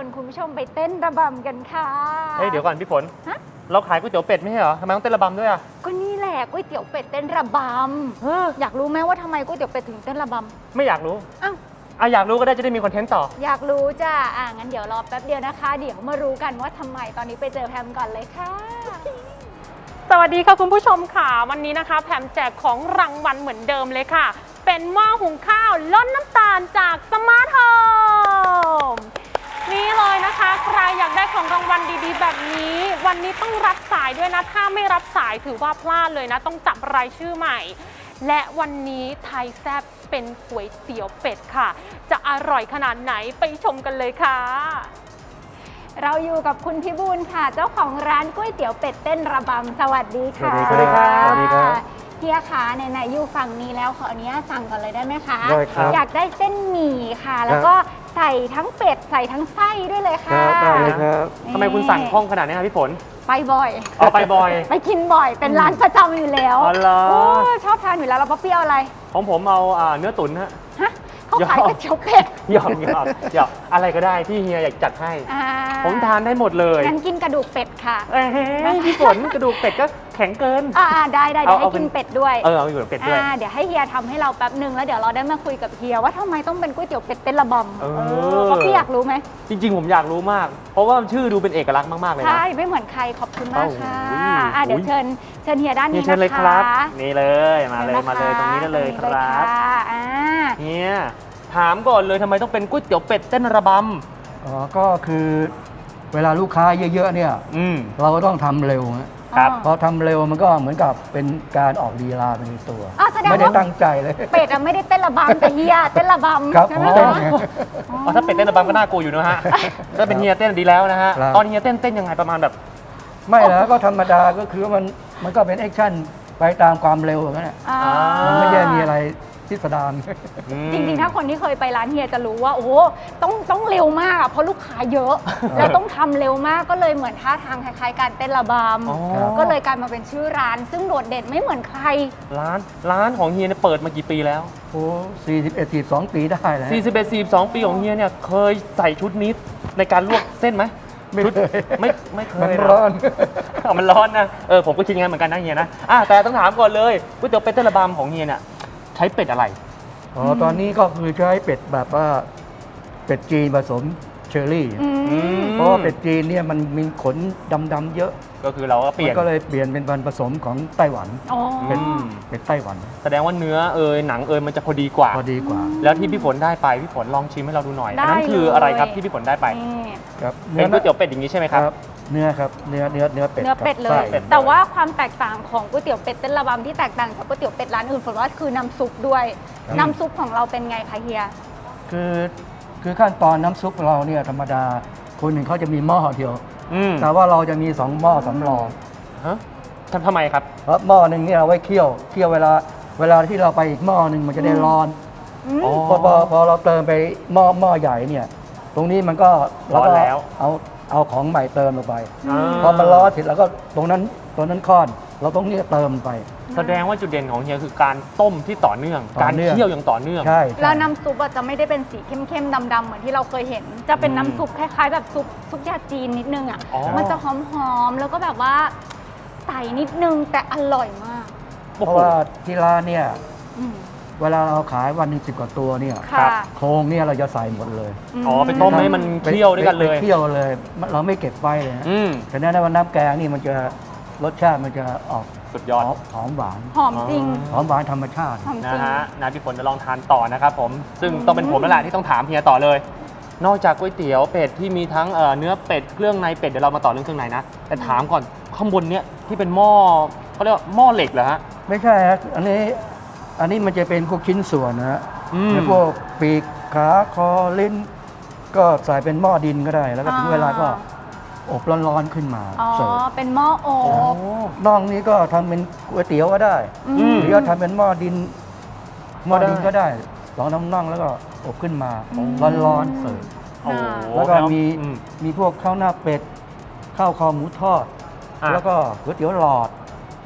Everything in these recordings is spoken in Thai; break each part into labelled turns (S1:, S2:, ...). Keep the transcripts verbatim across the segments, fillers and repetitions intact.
S1: วนคุณผู้ชมไปเต้นระบำกันค่ะ
S2: เฮ้ยเดี๋ยวก่อนพี่ฝนเราขายก๋วยเตี๋ยวเป็ดไม่ใช่เหรอทำไมต้องเต้นระบำด้วยอ่ะ
S1: ก็นี่แหละก๋วยเตี๋ยวเป็ดเต้นระบำอยากรู้ไหมว่าทำไมก๋วยเตี๋ยวเป็ดถึงเต้นระบำ
S2: ไม่อยากรู้
S1: อ้าว
S2: อ่ะอยากรู้ก็ได้จะได้มีคอนเทนต์ต่อ
S1: อยากรู้จ้ะอ่ะงั้นเดี๋ยวรอแป๊บเดียวนะคะเดี๋ยวมารู้กันว่าทำไมตอนนี้ไปเจอแพมก่อนเลยค่ะ
S3: สวัสดีค่ะคุณผู้ชมค่ะวันนี้นะคะแพมแจกของรางวัลเหมือนเดิมเลยค่ะเป็นหม้อหุงข้าวลดน้ำตาลจากสมาร์ทโฮมนี่เลยนะคะใครอยากได้ของรางวัลดีๆแบบนี้วันนี้ต้องรับสายด้วยนะถ้าไม่รับสายถือว่าพลาดเลยนะต้องจับรายชื่อใหม่และวันนี้ไทยแซ่บเป็นก๋วยเตี๋ยวเป็ดค่ะจะอร่อยขนาดไหนไปชมกันเลยค่ะ
S1: เราอยู่กับคุณพิบูลค่ะเจ้าของร้านก๋วยเตี๋ยวเป็ดเต้นระบำสวัสดีค่ะ
S2: สวัสดีครับ
S1: สวัสดีครับเฮียขาไหนๆอยู่ฝั่งนี้แล้วขออนุญาตสั่งก่อนเลยได้ไหมคะ
S4: ได้ครับ
S1: อยากได้เส้นหมี่ค่ะแล้วก็ใส่ทั้งเป็ดใส่ทั้งไส้ด้วยเลยค่ะ
S4: ได้เลยครับ
S2: ทำไมคุณสั่งคล่องขนาดนี้ครับพี่ฝน
S1: ไปบ่อย
S2: อ๋อไปบ่อย
S1: ไปกินบ่อยเป็นร้านประจำอยู่แล้ว
S2: อ๋อเหรอ
S1: โอ้ชอบทานอยู่แล้วเราป๊อปปี้เอาอะไร
S2: ของผมเอาเนื้อตุ๋นฮะ
S1: ฮะเขาขายก๋วยเตี๋ยวเป็ด
S2: หยอกหยอกหยอกอะไรก็ได้ที่เฮียอยากจัดให้ผมทานได้หมดเลย
S1: งั้นกินกระดูกเป็ดค่ะ
S2: เอ้ยพี่ฝนกระดูกเป็ดก็แข็งเกิน
S1: อ่าได้ได้เดี๋ยวให้กินเป็ดด้วย
S2: เออเอาอยู่เป็ดด้วย
S1: เดี๋ยวให้เฮียทำให้เราแป๊บนึงแล้วเดี๋ยวเราได้มาคุยกับเฮียว่าทำไมต้องเป็นก๋วยเตี๋ยวเป็ดเต้นระบำเออเพราะพี่อยากรู้ไหม
S2: จริงๆผมอยากรู้มากเพราะว่าชื่อดูเป็นเอกลักษณ์มากๆเลยนะ
S1: ใช่ไม่เหมือนใครขอบคุณมากค่ะอ่ะเดี๋ยวเชิญเชิญเฮียด้านนี้นะคะ
S2: เชิญเลยครับนี่เลยมาเลยมาเลยตรงนี้ได้เลยครับเฮียถามก่อนเลยทำไมต้องเป็นก๋วยเตี๋ยวเป็ดเต้นระบำ
S4: อ๋อก็คือเวลาลูกค้าเยอะๆเนี่ยเราก็ต้องทำเร็วครับพอทำเร็วมันก็เหมือนกับเป็นการออกลีลาเป็นตัวไม่ได้ตั้งใจเลย
S1: เป็ดอะไม่ได้เต้นระบำแต่เฮียเต้นระบำ
S4: ใช่ไหม
S2: อ๋อถ้าเป็ดเต้นระบำก็น่ากลัวอยู่นะฮะถ้าเป็นเฮียเต้นดีแล้วนะฮะตอนเฮียเต้นเต้นยังไงประมาณแบบ
S4: ไม่แล้วก็ธรรมดาก็คือมันมันก็เป็นแอคชั่นไปตามความเร็วอย่างนั้นแหละมันไม่ได้มีอะไรพิสดาร
S1: จริงๆถ้าคนที่เคยไปร้านเฮียจะรู้ว่าโอ้ต้องต้องเร็วมากเพราะลูกค้าเยอะแล้วต้องทำเร็วมากก็เลยเหมือนท่าทางคล้ายๆการเต้นระบำก็เลยกลายมาเป็นชื่อร้านซึ่งโดดเด่นไม่เหมือนใคร
S2: ร้านร้านของเฮียเนี่ยเปิดมากี่ปีแล้ว
S4: โอ้สี่สิบเอ็ด สี่สิบสองปีได้แล้ว
S2: สี่สิบเอ็ด สี่สิบสองปีของเฮียเนี่ยเคยใส่ชุดนี้ในการลวกเส้นไหม
S4: ไม่เคย
S2: ไม่ไม่เคย
S4: มันร้อน
S2: มันร้อนนะเออผมก็คิดงั้นเหมือนกันนะเฮียนะอ่ะแต่ต้องถามก่อนเลยก๋วยเตี๋ยวเป็ดเต้นระบำของเฮียเนี่ยใช้เป็ดอะไร
S4: อ๋อตอนนี้ก็คือใช้เป็ดแบบว่าเป็ดจีนผสมเชอร์รี่เพราะว่าเป็ดจีนเนี่ยมันมีขนดำๆเยอะ
S2: ก็คือเราก็เปลี่ยน
S4: ก็เลยเปลี่ยนเป็นพันธุ์ผสมของไต้หวันเป็นเป็นไต้หวัน
S2: แสดงว่าเนื้อเอยหนังเอยมันจะพอดีกว่า
S4: พอดีกว่า
S2: แล้วที่พี่ฝนได้ไปพี่ฝนลองชิมให้เราดูหน่อยอันนั้นคืออะไรครับที่พี่ฝนได้ไป
S4: ครับ
S2: เป็นก๋วยเตี๋ยวเป็ดอย่างนี้ใช่ไหมครับ
S4: เนื้อครับเนื้อเนื้อเนื้อเป็ด
S1: เนื้อเป็ดเลยแต่ว่าความแตกต่างของก๋วยเตี๋ยวเป็ดเต้นระบำที่แตกต่างจากก๋วยเตี๋ยวเป็ดร้านอื่นฝนว่าคือน้ำซุปด้วยน้ำซุปของเราเป็นไงคะเฮีย
S4: คือคือขั้นตอนน้ำซุปเราเนี่ยธรรมดาคนหนึ่งเขาจะมีหม้อเดียวแต่ว่าเราจะมีสองหม้อสำรอง
S2: ฮะทำทำไมครับ
S4: เพราะหม้อหนึ่งเนี่ยเอาไว้เคี่ยวเคี่ยวเวลาเวลาที่เราไปอีกหม้อหนึ่งมันจะได้ร้อนพอพอพอเราเติมไปหม้อหม้อใหญ่เนี่ยตรงนี้มันก็
S2: ร้อนแล้ว
S4: เอาเอาของใหม่เติมลงไปพอมันร้อนเสร็จแล้วก็ตรงนั้นตรงนั้นค้อนเราต้องนี่เติมไป
S2: แสดงว่าจุดเด่นของเฮียคือการต้มที่ต่อเนื่องการเคี่ยวอย่างต่อเนื่อง
S4: ใช่
S1: แล้วน้ำซุปจะไม่ได้เป็นสีเข้มๆดำๆเหมือนที่เราเคยเห็นจะเป็นน้ำซุปคล้ายๆแบบซุปซุปยาจีนนิดนึงอ่ะมันจะหอมๆแล้วก็แบบว่าใส่นิดนึงแต่อร่อยมาก
S4: เพราะว่าที่ร้านเนี่ยเวลาเราขายวันหนึ่งสิบกว่าตัวเนี่ยโครงเนี่ยเราจะใส่หมดเลย
S2: อ๋อไปต้มให้มันเคี่ยวด้วยกันเลย
S4: เคี่ยวเลยเราไม่เก็บไว้เลยแต่แน่ๆว่าน้ำแกงนี่มันจะรสชาติมันจะออก
S2: สุดยอด
S4: หอมหวาน
S1: หอมจริง
S4: หอมหวานธรรมชาติ
S2: นะฮะนะพี่ฝนจะลองทานต่อนะครับผมซึ่งต้องเป็นผมแล้วแหละที่ต้องถามเฮียต่อเลยนอกจากก๋วยเตี๋ยวเป็ดที่มีทั้งเนื้อเป็ดเครื่องในเป็ดเดี๋ยวเรามาต่อเรื่องเครื่องในนะแต่ถามก่อนข้างบนเนี้ยที่เป็นหม้อเขาเรียกว่าหม้อเหล็กเหรอฮะ
S4: ไม่ใช่ฮะอันนี้อันนี้มันจะเป็นพวกชิ้นส่วนนะฮะพวกปีกขาคอลิ้นก็ใส่เป็นหม้อดินก็ได้แล้วก็ถึงเวลาก็อบร้อนๆขึ้นมา
S1: อ๋อเป็นหม้ออบ
S4: น่องนี้ก็ทำเป็นก๋วยเตี๋ยวก็ได้หรือว่าทำเป็นหม้อดินหม้อดินก็ได้ลองน้ำน่องแล้วก็อบขึ้นมาร้อนๆเสิร์ฟแล้วก็มีมีพวกข้าวหน้าเป็ดข้าวคอหมูทอดแล้วก็ก๋วยเตี๋ยวหลอด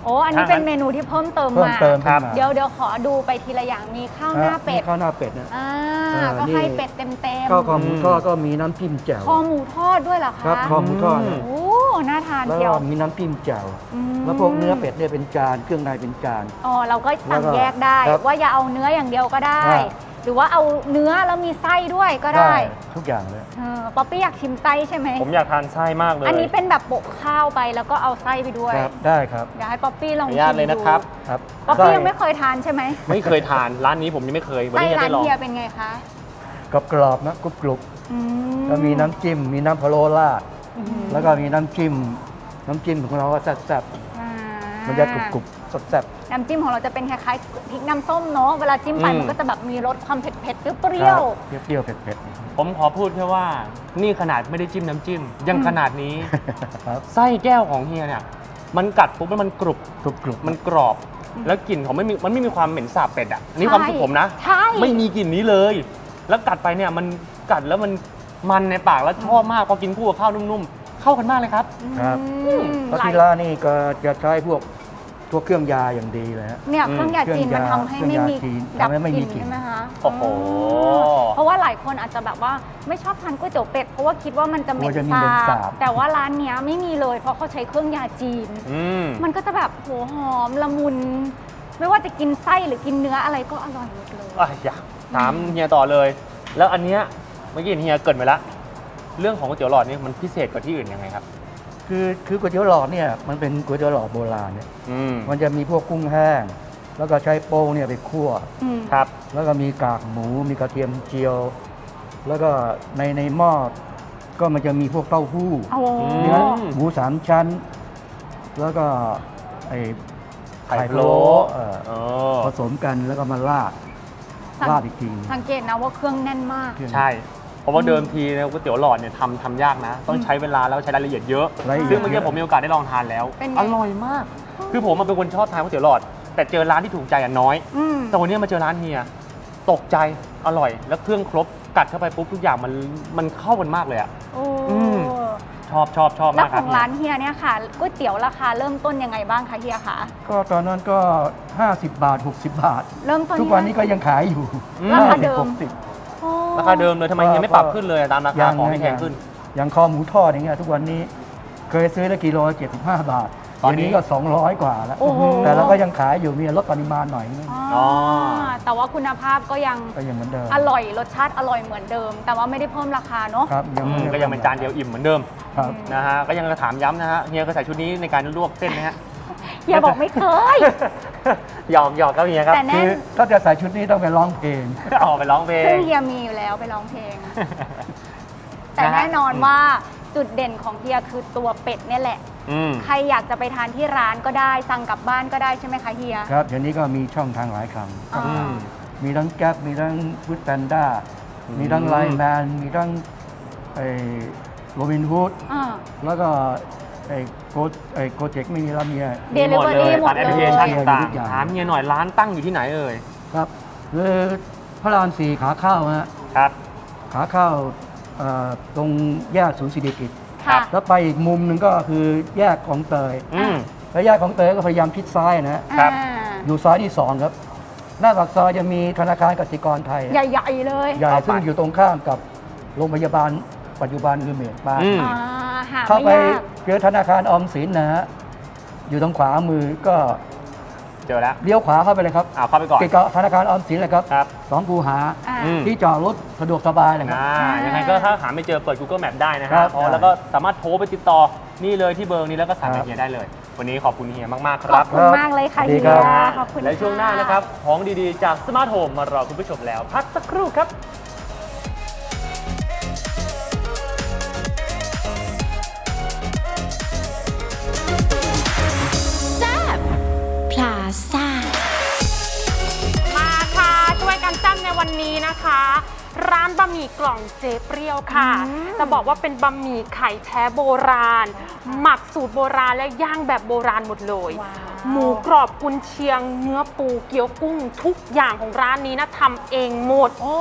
S1: โอ้อันนี้เป็นเมนูที่เพิ่มเติม
S4: เพิ่ม
S1: มา
S4: เติมขึ้นมา
S1: เดี๋ยวเดี๋ยวขอดูไปทีละอย่างมีข้าวหน้าเป็ด
S4: มีข้าวหน้าเป็ดนะ
S1: อ่า
S4: เออ
S1: ก็
S4: นี่
S1: ให้เป็ดเต็มเต็ม
S4: ข้าวคอหมูทอดก็มีน้ำจิ้มแจ่ว
S1: คอหมูทอดด้วยเหรอ
S4: ครั
S1: คะ
S4: บคอหมูทอดนะ
S1: โอ้น่าทาน
S4: แล้ว
S1: เชีย
S4: ก็
S1: ว
S4: มีน้ำจิ้มแจ่ว
S1: อืม
S4: แล้วพวกเนื้อเป็ดเนี่ยเป็นจานเครื่องในเป็นจาน
S1: อ๋อเราก็
S4: แล้
S1: สั่
S4: ว
S1: ง
S4: ก็
S1: แยกได้
S4: ครับ
S1: ว่าอย่าเอาเนื้ออย่างเดียวก็ได้
S4: ได้
S1: หรือว่าเอาเนื้อแล้วมีไส้ด้วยก็ได้
S4: ทุกอย่างเลย
S1: เออป๊อปปี้อยากชิมไส้ใช่ไหม
S2: ผมอยากทานไส้มากเลย
S1: อันนี้เป็นแบบโปะข้าวไปแล้วก็เอาไส้ไปด้วย
S4: ครับได้ครับ
S1: เดี๋ยวให้ป๊อปปี้ล
S2: ขอ
S1: อง
S2: อนุ
S1: ชิ
S2: ญาต
S1: ม
S2: เลยนะ
S1: ดู
S2: ครับ
S4: ครับ
S1: ป๊อปปี้
S4: ไส้
S1: ยังไม่เคยทานใช่ไหม
S2: ไม่เคยทานร้านนี้ผมยังไม่เคยวัน
S1: ไส้
S2: นี้จะ
S1: ร้า
S2: ได้
S1: น
S2: ลอง
S1: เฮียเป็นไงคะ
S4: กับกรอบๆนะกรุบกรุบ
S1: อื
S4: ๆแล้วมีน้ำจิ้มมีน้ำพะโล้ราด
S1: อืม
S4: แล้วก็มีน้ำจิ้มน้ำจิ้มของเราก็แซ่บ
S1: อ่า
S4: ๆมันจะกรุบกรุบๆแซ่บ
S1: น้ำจิ้มของเราจะเป็นคล้ายๆพริกน้ำส้มเนาะเวลาจิ้มไป
S2: อืม
S1: มันก็จะแบบมีรสความเผ็ดๆเป
S4: ๆ
S1: รี้ยว
S4: ครับเปรี้ยวๆเผ็ด
S2: ผมขอพูดแค่ว่านี่ขนาดไม่ได้จิ้มน้ำจิ้ม ยังขนาดนี้
S4: ๆครับ
S2: ไส้แก้วของเฮียเนี่ย มันกัดปุ๊บแล้วมันกรุบ
S4: กรุบกรุบ
S2: มันกรอบ แล้วกลิ่นของไม่มีมันไม่มีความเหม็นสาบเป็ดอ่ะอันนี่ความรู้สึกผมนะ
S1: ใช่
S2: ไม่มีกลิ่นนี้เลย แล้วกัดไปเนี่ยมันกัดแล้วมันมันในปากแล้วชอบมากพอกินคู่กับข้าวนุ่มๆ เข้ากันมากเลยครับ
S4: ครับ
S1: อืม
S4: แล้ว
S1: หลาย
S4: ที่ร้านนี่ก็จะใช้พวกพวกเครื่องยาอย่างดีเลยฮะ
S1: เนี่ย
S2: อืม
S1: เครื่องยาจีนมันทำให้ไม่มี
S4: เครื่องยาจีน
S1: ดับ
S4: ทำให้ไม่
S1: ก
S4: มี
S1: ลิ่น
S4: กลิ่น
S1: ใช่ไหมคะ
S2: โอ้โห
S1: เพราะว่าหลายคนอาจจะแบบว่าไม่ชอบทานก๋วยเตี๋ยวเป็ดเพราะว่าคิดว่ามันจะเหม็
S4: กลั
S1: น
S4: วจะมีเหม็น
S1: สา
S4: สา
S1: บบ แต่ว่าร้านเนี้ยไม่มีเลยเพราะเขาใช้เครื่องยาจีน
S2: อืม
S1: มันก็จะแบบโหหอมละมุน ไม่ว่าจะกินไส้หรือกินเนื้ออะไรก็อร่อยหมดเลย
S2: อ่ะอยากถามเฮียต่อเลย แล้วอันเนี้ยเมื่อกี้เห็นเฮียเกรินไปแล้วเรื่องของก๋วยเตี๋ยวหลอดนี่มันพิเศษกว่าที่อื่นยังไงครับ
S4: คือคือก๋วยเตี๋ยวหลอดเนี่ยมันเป็นก๋วยเตี๋ยวหลอดโบราณเนี่ย
S2: อืม
S4: มันจะมีพวกกุ้งแห้ง แล้วก็ใช้โป้งเนี่ยไปคั่ว
S1: อืม
S2: ครับ
S4: แล้วก็มีกากหมู มีกระเทียมเจียว แล้วก็ในในหม้อก็มันจะมีพวกเต้าหู้
S1: โอ้
S4: เนื้อหมูสามชั้น แล้วก็ไอ้
S2: ไข่
S4: ไข่
S2: พะ
S4: พะ
S2: โล้
S4: โล้เอ่อ
S2: อ๋อ
S4: ผสมกันแล้วก็มาราดราดอีกที
S1: สังเกตนะว่าเครื่องแน่นมาก
S2: ใช่ เพราะว่าเดิมทีเนี่ยก๋วยเตี๋ยวหลอดเนี่ยทำทำยากนะ ต้องใช้เวลาแล้วใช้รายละเอียดเยอะ
S4: รายละเอียด
S2: ซึ่งเมื่อกี้ผมมีโอกาสได้ลองทานแล้ว
S1: เป็นไง
S2: อร่อยมาก คือผมมันเป็นคนชอบทานก๋วยเตี๋ยวหลอด แต่เจอร้านที่ถูกใจอ่ะน้อย
S1: อืม
S2: แต่วันนี้มาเจอร้านเฮียตกใจอร่อย แล้วเครื่องครบกัดเข้าไปปุ๊บทุกอย่างมันมันเข้ากันมากเลยอ่ะ
S1: โอ้
S2: อืม ชอบชอบชอบ
S1: แล้ว
S2: มาก
S1: ข
S2: ครั
S1: อบ งร้านเฮียเนี่ยค่ะก๋วยเตี๋ยวราคาเริ่มต้นยังไงบ้างคะเฮียคะ
S4: ก็ตอนนั้นก็ ห้าสิบบาท หกสิบบาท
S1: เริ่มต้น
S4: ทุกวันนี้ก็ยังขายอยู่
S1: ราคาเดิม
S4: หกสิบ
S1: โอ้
S2: ราคาเดิมเลยทำไมเฮียไม่ปรับขึ้นเลยตามราคาของที่แพงขึ้น
S4: อย่างคอหมูทอดอย่างเงี้ยทุกวันนี้เคยซื้อได้กิโลเจ็ดสิบห้าบาท
S2: ตอนนี้
S4: เดี๋ยวนี้ก็สองร้อยกว่าแล้ว
S1: โอ้โห
S4: แต่เราก็ยังขายอยู่มีลดปริมาณหน่อยนึง
S1: อ๋อแต่ว่าคุณภาพก็ยัง
S4: ก็ยังเหมือนเดิม
S1: อร่อยรสชาติอร่อยเหมือนเดิม แต่ว่าไม่ได้เพิ่มราคาเนาะ
S4: ครับ
S2: อื
S4: ไม่
S2: ม
S4: ได้
S2: ก็ยังเป็นจานเดียวอิ่มเหมือนเดิม
S4: ครับ
S2: นะฮะ ก็ยังจะถามย้ำนะฮะ เฮียเคยใส่ชุดนี้ในการลวกเส้นไหมฮะ
S1: เฮียบอกไม่เคย
S2: หยอกหยอกครับเฮียครับ
S1: แต่แน่
S4: คือถ้าจะใส่ชุดนี้ต้องไปร้องเพลง
S2: ออกไปร้องเพล
S1: ซึ่
S2: ง
S1: งเฮียมีอยู่แล้วไปร้องเพลง แต่
S2: นะฮะ
S1: แน่นอนว่าจุดเด่นของเฮียคือตัวเป็ดเนี่ยแหละ
S2: อืม
S1: ใครอยากจะไปทานที่ร้านก็ได้สั่งกลับบ้านก็ได้ใช่ไหมคะเฮีย
S4: ครับเดี๋ยวนี้ก็มีช่องทางหลายครั้ง
S1: อ่า
S2: อืม
S4: มีทั้งแก๊ปมีทั้งฟูดแพนด้า
S2: อืม
S4: มีทั้งไลน์แมนมีทั้งไอ้โรบินฮูด
S1: อ่า
S4: แล้วก็ไอ้โกไอ้โกเจ็กไม่มีแล้วมีอะไร
S2: มีหมดเลย
S1: Delivery หม
S2: ผ่า
S1: ด
S2: นแอปพลิ
S1: เล
S2: เคชัน
S1: ย
S2: ต่าง
S4: ทุกอย่าง
S2: ๆถามเฮียหน่อยร้านตั้งอยู่ที่ไหนเอ่ย
S4: ครับคือพระรามสี่ขาเข้าฮะ
S2: ครับ
S4: ขาเข้าเอ่อตรงแยกศูนย์เศรษฐกิจ
S1: ค่ะ
S4: แล้วไปอีกมุมหนึ่งก็คือแยกของเตย
S2: อืม
S4: แล้วแยกของเตยก็พยายามชิดซ้ายนะฮะ
S2: ครับ
S1: อ่า
S4: อยู่ซ้ายที่สองครับ หน้าปากซอยจะมีธนาคารกสิกรไทย
S1: ใหญ่ๆเลย
S4: ใหญ่
S2: เข้าไป
S4: ซึ่งอยู่ตรงข้ามกับโรงพยาบาลปัจจุบันคือเมดปา
S2: อืม
S1: อ่าหา
S4: เข้าไป
S1: ไม่ยาก
S4: เจอธนาคารออมสินนะฮะอยู่ทางขวามือก็
S2: เจอแล้ว
S4: เลี้ยวขวาเข้าไปเลยครับ
S2: อ่าเข้าไปก่อน
S4: ติดกับธนาคารออมสินเลยครับ
S2: ครับ
S4: สองคูหา
S1: อ่า
S2: อืม
S4: ที่จอดรถสะดวกสบายเลยครับ
S2: อ่ายังไงก็ถ้าหาไม่เจอเปิด Google Map ได้นะ
S4: ครั
S2: ฮะ
S4: บ
S2: อ๋อ
S4: ได้
S2: แล้วก็สามารถโทรไปติดต่อนี่เลยที่เบอร์นี้แล้วก็สั่ง
S4: ครั
S2: กับบ เฮียได้เลย วันนี้ขอบคุณเฮียมาก ๆ ค
S1: ขอ
S2: รั
S1: บบ คุณมากเลยค่ะ
S4: สวัสดี
S1: เฮี
S4: ครั
S1: ย
S4: บ
S1: ขอบคุณ
S2: และช่วงหน้านะครับ ของดี ๆ จากสมาร์ทโฮมมารอคุณผู้ชมแล้ว พักสักครู่ครับ
S5: พลาซ่า
S3: มาค่ะช่วยกันจ้ำในวันนี้นะคะ ร้านบะหมี่กล่องเจ๊เปรี้ยวค่ะจะบอกว่าเป็นบะหมี่ไข่แท้โบราณ หมักสูตรโบราณและย่างแบบโบราณหมดเลย
S1: ว้าว
S3: หมูกรอบกุนเชียง เนื้อปูเกี๊ยวกุ้ง ทุกอย่างของร้านนี้นะทำเองหมด
S1: โอ้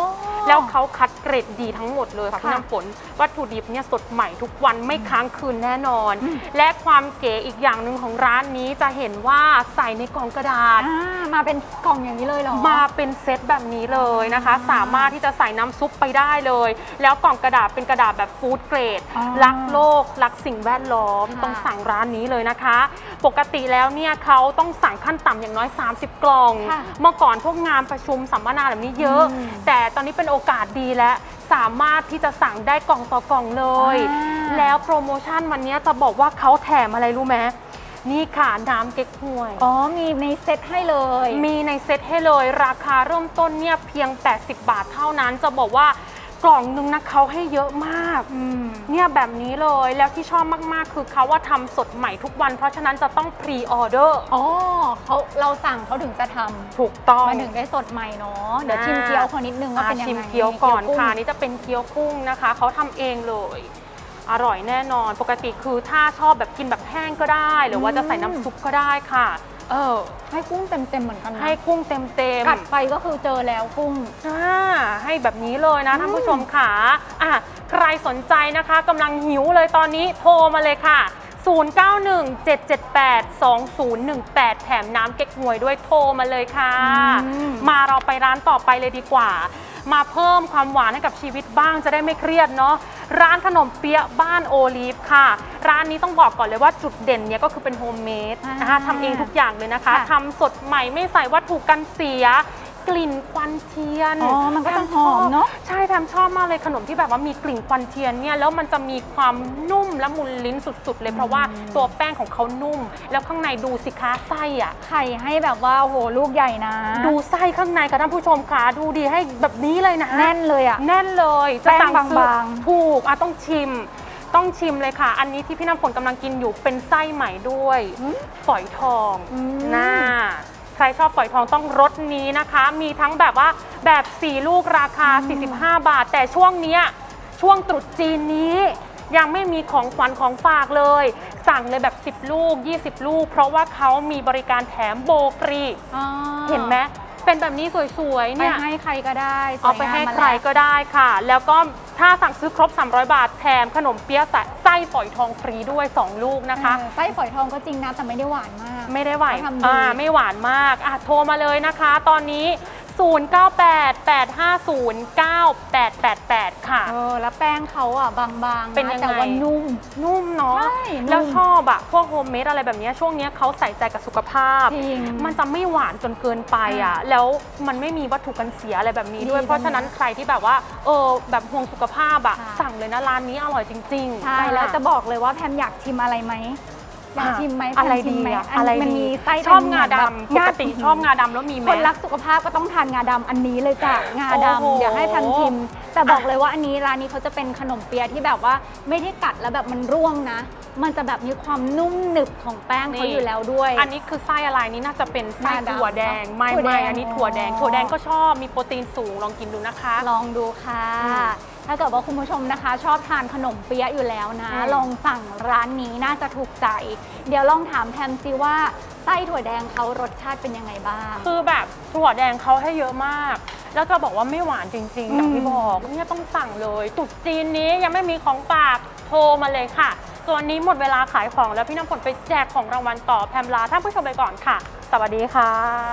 S3: แล้วเขาคัดเกรดดีทั้งหมดเลยค่ะพี่
S1: ค่ะ
S3: น้ำฝนวัตถุดิบเนี่ยสดใหม่ทุกวันไม่ค้างคืนแน่นอน และความเก๋อีกอย่างหนึ่งของร้านนี้จะเห็นว่าใส่ในกล่องกระดาษ
S1: อ่ามาเป็นกล่องอย่างนี้เลยเหรอ
S3: มาเป็นเซตแบบนี้เลยนะคะ สามารถที่จะใส่น้ำซุปไปได้เลย แล้วกล่องกระดาษเป็นกระดาษแบบฟู้ดเกรด
S1: อ๋อ
S3: รักโลกรักสิ่งแวดล้อม
S1: ค่ะ
S3: ต้องสั่งร้านนี้เลยนะคะ ปกติแล้วเนี่ยเขาต้องสั่งขั้นต่ำอย่างน้อย สามสิบ กล่อง
S1: ค่ะ
S3: เมื่อก่อนพวกงานประชุมสัมมนาแบบนี้เยอะ
S1: อืม
S3: แต่ตอนนี้เป็นโอกาสดีแล้วสามารถที่จะสั่งได้กล่องต่อกล่องเลย
S1: อ่า
S3: แล้วโปรโมชั่นวันนี้จะบอกว่าเขาแถมอะไรรู้ไหมนี่ค่ะน้ำเก๊กฮวย
S1: อ๋อมีในเซตให้เลย
S3: มีในเซ็ตให้เลยราคาเริ่มต้นเนี่ยเพียง แปดสิบ บาทเท่านั้นจะบอกว่ากล่องนึงนะเขาให้เยอะมาก
S1: อืม
S3: เนี่ยแบบนี้เลยแล้วที่ชอบมากๆ คือเขาว่าทำสดใหม่ทุกวันเพราะฉะนั้นจะต้องพรีออเดอร์
S1: อ๋อเขาเราสั่งเขาถึงจะทำ
S3: ถูกต้อง
S1: มาถึงได้สดใหม่เนาะเดี๋ยวชิมเกี๊ยวเขานิดนึงว่า
S3: อ่า
S1: เป็นยังไง
S3: ชิมเกี๊ยวก่อน
S1: เกี๊
S3: ค่ะ
S1: กุ้ง
S3: นี่จะเป็นเกี๊ยวกุ้งนะคะเขาทำเองเลย อร่อยแน่นอนปกติคือถ้าชอบแบบกินแบบแห้งก็ได้ หรือว่าจะใส่น้ำซุปก็ได้ค่ะเออ
S1: ให้กุ้งเต็มๆเหมือนกันนะ
S3: ให้กุ้งเต็มเต็ม
S1: กัดไปก็คือเจอแล้วกุ้ง
S3: อ่าให้แบบนี้เลยนะท่านผู้ชมค่ะอ่ะ ใครสนใจนะคะกำลังหิวเลยตอนนี้โทรมาเลยค่ะ ศูนย์ เก้า หนึ่ง เจ็ด เจ็ด แปด สอง ศูนย์ หนึ่ง แปด แถมน้ำเก๊กฮวยด้วยโทรมาเลยค่ะ
S1: อืม
S3: มาเราไปร้านต่อไปเลยดีกว่า มาเพิ่มความหวานให้กับชีวิตบ้างจะได้ไม่เครียดเนาะร้านขนมเปี๊ยะบ้านโอลีฟค่ะ ร้านนี้ต้องบอกก่อนเลยว่าจุดเด่นเนี่ยก็คือเป็นโฮมเมด
S1: อ่า
S3: นะคะทำเองทุกอย่างเลยนะคะ
S1: ค่ะ
S3: ทำสดใหม่ไม่ใส่วัตถุกันเสีย กลิ่นควันเทียน
S1: อ๋อมันก็จะ
S3: แพ
S1: หอมเนอะ
S3: ใช่แพมชอบมากเลยขนมที่แบบว่ามีกลิ่นควันเทียนเนี่ยแล้วมันจะมีความนุ่มและมุนลิ้นสุดๆ เลยเพราะว่าตัวแป้งของเขานุ่ม แล้วข้างในดูสิคะไส้อะ
S1: ไข่ให้แบบว่าโอ้โหลูกใหญ่นะ
S3: ดูไส้ข้างในค่ะท่านผู้ชมค่ะดูดีให้แบบนี้เลยนะ
S1: แน่นเลยอ่ะ
S3: แน่นเลยจะสั่ง
S1: แป้ง
S3: ซื้อบ
S1: างๆ
S3: ถูกอ่ะต้องชิม ต้องชิมเลยค่ะ อันนี้ที่พี่น้ำฝนกำลังกินอยู่เป็นไส้ใหม่ด้วยฝอยทอง
S1: อืม
S3: น่าใครชอบฝอยทองต้องรสนี้นะคะ มีทั้งแบบว่าแบบสี่ลูกราคา สี่สิบห้า บาท แต่ช่วงเนี้ยช่วงตรุษจีนนี้ ยังไม่มีของขวัญของฝากเลย สั่งเลยแบบสิบลูกยี่สิบลูก เพราะว่าเขามีบริการแถมโบฟรี
S1: อ๋อ
S3: เห็นไหมเป็นแบบนี้สวยๆ
S1: ไป
S3: เนี่ย
S1: ให้ใครก็ได้สวย
S3: เอาไปให้
S1: งมม
S3: ใครก็ได้ค่ะ แล้วก็ถ้าสั่งซื้อครบ สามร้อย บาทแถมขนมเปี๊ยะไส้ฝอยทองฟรีด้วย สอง ลูกนะคะ
S1: เออไส้ฝอยทองก็จริงนะแต่ไม่ได้หวานมาก
S3: ไม่ได้หวาน
S1: เขาทำดี
S3: อ่าไม่หวานมากอ่ะโทรมาเลยนะคะ ตอนนี้ ศูนย์ เก้า แปด แปด ห้า ศูนย์ เก้า แปด แปด แปด ค่ะ
S1: เออแล้วแป้งเขาอ่ะบางๆ
S3: เป็นยังไง
S1: แต่ว่านุ่ม
S3: นุ่มเนาะ
S1: ใช่นุ่ม
S3: แล้วชอบอะพวกโฮมเมดอะไรแบบเนี้ยช่วงเนี้ยเขาใส่ใจกับสุขภาพ
S1: จริง
S3: มันจะไม่หวานจนเกินไปอะ
S1: อ่ะ
S3: แล้วมันไม่มีวัตถุกันเสียอะไรแบบนี้ด้วย
S1: ดี
S3: เพราะฉะนั้นใครที่แบบว่าเออแบบห่วงสุขภาพอะ
S1: ค่ะ
S3: สั่งเลยนะร้านนี้อร่อยจริงๆ
S1: ใช่แล้วจะบอกเลยว่าแพมอยากชิมอะไรไหมอยากชิมไหมแพม
S3: อะไร
S1: ชิ
S3: ดี
S1: มไหม
S3: อะ
S1: อัน
S3: อะไร
S1: มัน
S3: ดี
S1: มีไส้
S3: ชอบ
S1: เป็น
S3: งา
S1: แบบ
S3: ดำปกติชอบงาดำแล้วมีไหม
S1: คนรักสุขภาพก็ต้องทานงาดำอันนี้เลยจ้ะงา
S3: โอ้โห
S1: ดำเดี๋ยวให้แพมชิม แต่บอกเลยว่าอันนี้ร้านนี้เขาจะเป็นขนมเปี๊ยะที่แบบว่าไม่ได้กัดแล้วแบบมันร่วงนะ มันจะแบบมีความนุ่มหนึบของแป้งเขาอยู่แล้วด้วย
S3: อันนี้คือไส้อะไรนี่น่าจะเป็นไส้
S1: งาดำ
S3: ถั่วแดงไม่
S1: ถั่วแด
S3: ไม่
S1: ง
S3: อันนี้ถั่วแดง
S1: อ๋อ
S3: ถั่วแดงก็ชอบมีโปรตีนสูงลองกินดูนะคะ
S1: ลองดูค่ะ
S3: อืม
S1: ถ้าเกิดว่าคุณผู้ชมนะคะ ชอบทานขนมเปี๊ยะอยู่แล้วนะ
S3: อืม
S1: ลองสั่งร้านนี้น่าจะถูกใจ เดี๋ยวลองถามแพมซิว่าไส้ถั่วแดงเขารสชาติเป็นยังไงบ้าง
S3: คือแบบถั่วแดงเขาให้เยอะมาก แล้วจะบอกว่าไม่หวานจริงๆ อย่างที่บอกเนี่ยต้องสั่งเลยตรุษจีนนี้ยังไม่มีของฝากโทรมาเลยค่ะส่วนนี้หมดเวลาขายของแล้วพี่น้ำฝนไปแจกของรางวัลต่อแพมลาท่านผู้ชมไปก่อนค่ะ สวัสดีค่ะ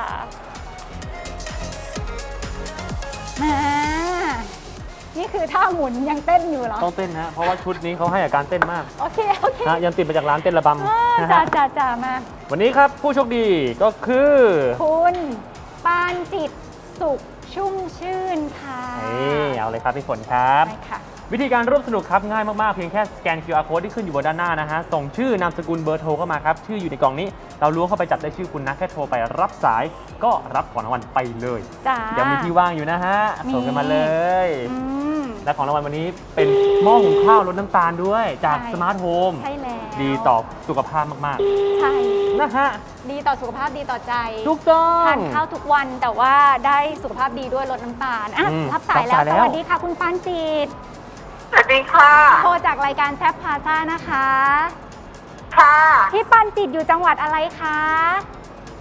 S1: แหมนี่คือท่าหมุนยังเต้นอยู่เหรอ
S2: ต้องเต้นฮะเพราะว่าชุดนี้เขาให้อาการเต้นมาก
S1: โอเค โอเค
S2: นะยังติดมาจากร้านเต้นระบำ
S1: อ่า
S2: นะ
S1: จ้า
S2: ฮะ
S1: จ้าจ้ามา
S2: วันนี้ครับผู้โชคดีก็คือ
S1: คุณปานจิตสุขชุ่มชื่นค่ะ
S2: นี่เอาเลยครับพี่ฝนครับ
S1: ไปค่ะ
S2: วิธีการร่วมสนุกครับง่ายมาก ๆ เพียงแค่สแกน คิว อาร์ Code ที่ขึ้นอยู่บนด้านหน้านะฮะ ส่งชื่อนามสกุลเบอร์โทรเข้ามาครับ ชื่ออยู่ในกล่องนี้ เราล้วงเข้าไปจับได้ชื่อคุณนะ แค่โทรไปรับสายก็รับของรางวัลไปเลย
S1: จ้า
S2: ยังมีที่ว่างอยู่นะฮะ
S1: มี
S2: ส่งกันมาเลย
S1: อืม
S2: และของรางวัลวันนี้เป็นหม้อหุงข้าวลดน้ำตาลด้วยจาก
S1: ใช่
S2: สมาร์ทโฮม
S1: ใช่แล้ว
S2: ดีต่อสุขภาพมาก
S1: ใช่
S2: ๆ นะฮะ
S1: ดีต่อสุขภาพดีต่อใจ
S2: ถูกต้อง
S1: ทานข้าวทุกวันแต่ว่าได้สุขภาพดีด้วยลดน้ำตาลอ่ะ
S2: อืม
S1: รับสายแล้ว
S2: รับสายแล้ว
S1: สวัสดีค่ะ คุณปานจิต
S6: สวัสดีค่ะ
S1: โทรจากรายการแซฟพาซ่านะคะ
S6: ค่ะ
S1: พี่ปานจิตอยู่จังหวัดอะไรคะ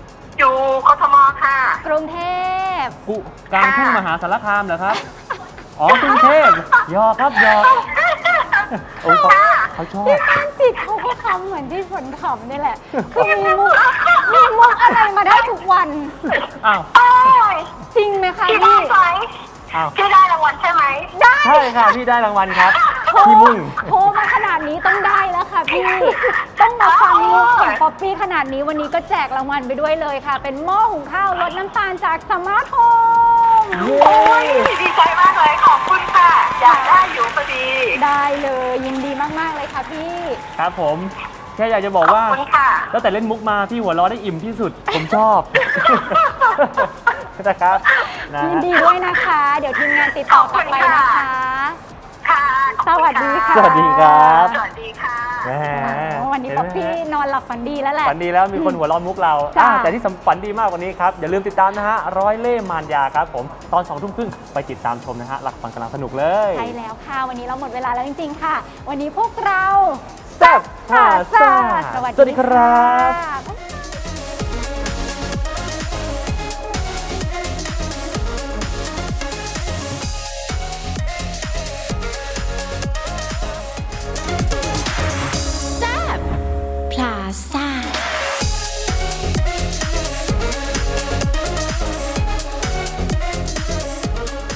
S6: อยู่กทมค่ะ
S1: กรุงเทพ
S2: กุกลางทุ่งมหาสารคามเหรอครับอ๋อกรุงเทพหยอกครับหยอกโอ้ยเขาเขาชอบ
S1: พี่มนต์จิตเขาก็ทำเหมือนที่ฝนขำนี่แหละ คือมีมุกมีมุกอะไรมาได้ทุกวัน
S2: อ้าว
S6: โอ้ย
S1: จริงไหมคะ
S6: พี่ได้
S1: พี่
S6: ไหม
S2: อ้าว
S6: พี่ได้รางวัลใช่ไหม
S1: ได้
S2: ใช่ค่ะพี่ได้รางวัลครับ
S1: โทร
S2: พี่มุ่ง
S1: โทรมาขนาดนี้ต้องได้แล้วค่ะพี่ ต้องมาฟังมุกของป๊อปปี้ขนาดนี้วันนี้ก็แจกรางวัลไปด้วยเลยค่ะ เป็นหม้อหุงข้าวลดน้ำตาลจากสมาร์ทโฮม
S6: โอ้ยดีใจมากเลยขอบคุณค่ะ อยากได้อยู่พอดี
S1: ได้เลยยินดีมากๆเลยค่ะพี่
S2: ครับผมแค่อยากจะบอก
S6: ขอบ
S2: ว่า
S6: คุณค่ะ
S2: ตั้งแต่เล่นมุกมาพี่หัวเราะได้อิ่มที่สุด ผมชอบ นะครับนะ
S1: ยินดีด้วยนะคะ เดี๋ยวทีมงานติดต่อกลับไปนะคะ
S6: ค่ะขอบณ
S1: สวัสดีค่ะ
S2: สวัสดีครับ
S6: สวัสดีค่ะ
S2: แหม
S1: วันนี้ป๊อปปี้นอนหลับฝันดีแล้วแหละ
S2: ฝันดีแล้วมีคนหัวเร้อนมุกเรา
S1: จ้ะ
S2: อ่ะแต่ที่สำฝันดีมากกว่านี้ครับ อย่าลืมติดตามนะฮะ ร้อยเล่ห์มารยาครับผม ตอนสองทุ่มครึ่งไปติดตามชมนะฮะ หลักฟังกำลังสนุกเลย
S1: ใช่แล้วค่ะ วันนี้เราหมดเวลาแล้วจริงๆค่ะ วันนี้พวกเรา
S2: แซ่บพาซ่า
S1: สวัส
S2: สวัสดีครับ
S1: ค่ะ